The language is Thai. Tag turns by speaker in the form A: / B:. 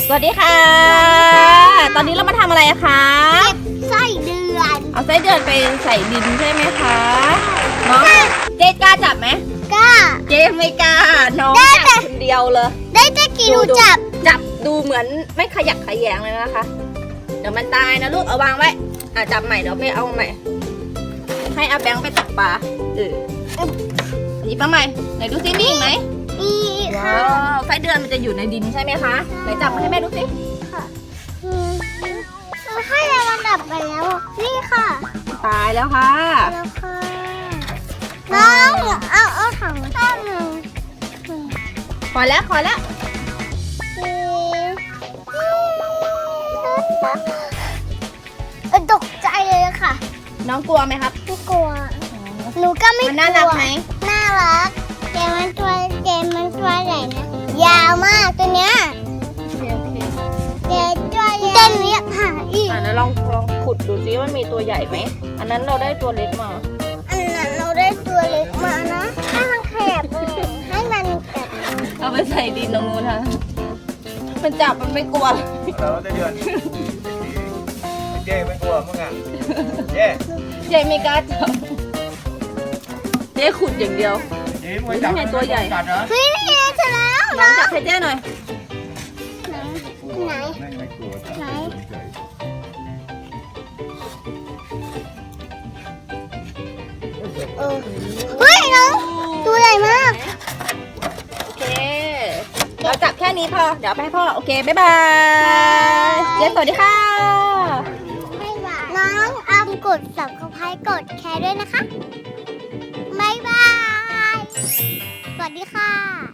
A: สวัสดีค่ะ ตอนนี้เรามาทำอะไรคะ
B: เก็บไส้เดือน
A: เอาไส้เดือนไปใส่ดินใช่ไหมคะน้องเจ๊กล้าจับไหม
B: กล้า
A: เจ๊ไม่กล้าน้อง
B: ได้แต่
A: จับคนเดียวเลย
B: ได้แต่กี่หนูจับ
A: จับดูเหมือนไม่ขยักขยแยงเลยนะคะ เดี๋ยวมันตายนะลูกเอาวางไว้จับใหม่เดี๋ยวไม่เอาใหม่ ให้อาแบงค์ไปตักปลาหยิบมาใหม่ไหนดูซิมีอีกไหม
B: นี่
A: ว้า
B: ค่ะ
A: วไส้เดือนมันจะอยู่ในดินใช่ไหมคะไหนจับมาให้แม่ดูสิ
B: ค่ะให้เรามันดับไปแล้ว นี่ค่ะ
A: ตายแล้วค่ะ
B: แล้วค่ะน้องเอาถังข้างหนึ่ง
A: พอแล้ว
B: ตกใจเลยค่ะ
A: น้องกลัวไหมครับ
B: ไม่กลัวหนูก็ไม่กลัว
A: มันน่ารักไหม
B: น่ารักเจมันตัวใหญ่นะยาวมากตัวเนี้ยเจตัวใหญ่เต้นเนี้ยค่ะอีก
A: แล้วลองขุดดูซิว่ามันมีตัวใหญ่ไหมอันนั้นเราได้ตัวเล็กมา
B: อันนั้นเราได้ตัวเล็กมานะให้มันแคบให้มันแบบ
A: เอาไปใส่ดินตรงนู้นค่ะมันจับมันไม่กลัว
C: เราจะเดือนเจ๊ไม่กลัวมั้งอ่ะเจ๊
A: เจ๊ไม่กล้าจับเจ๊ขุดอย่างเดียว
C: เจ๊มวยจับ
A: นี่ไงตัวใหญ่
C: กัดเหรอ
B: เฮ้ยนี่ไงเสร็จแล้ว
A: น้อง
B: นะ
A: จับให้เจ๊หน่อย
B: ไหน
C: ไม่กลัว
B: ไหนเฮ้ยน้องตัวใหญ่มาก
A: โอเคเราจับแค่นี้พอเดี๋ยวไปให้พ่อโอเคบ๊ายบายเจ๊สวัสดีค่ะ
B: น้องกด subscribe กดแชร์ด้วยนะคะ บ๊ายบาย สวัสดีค่ะ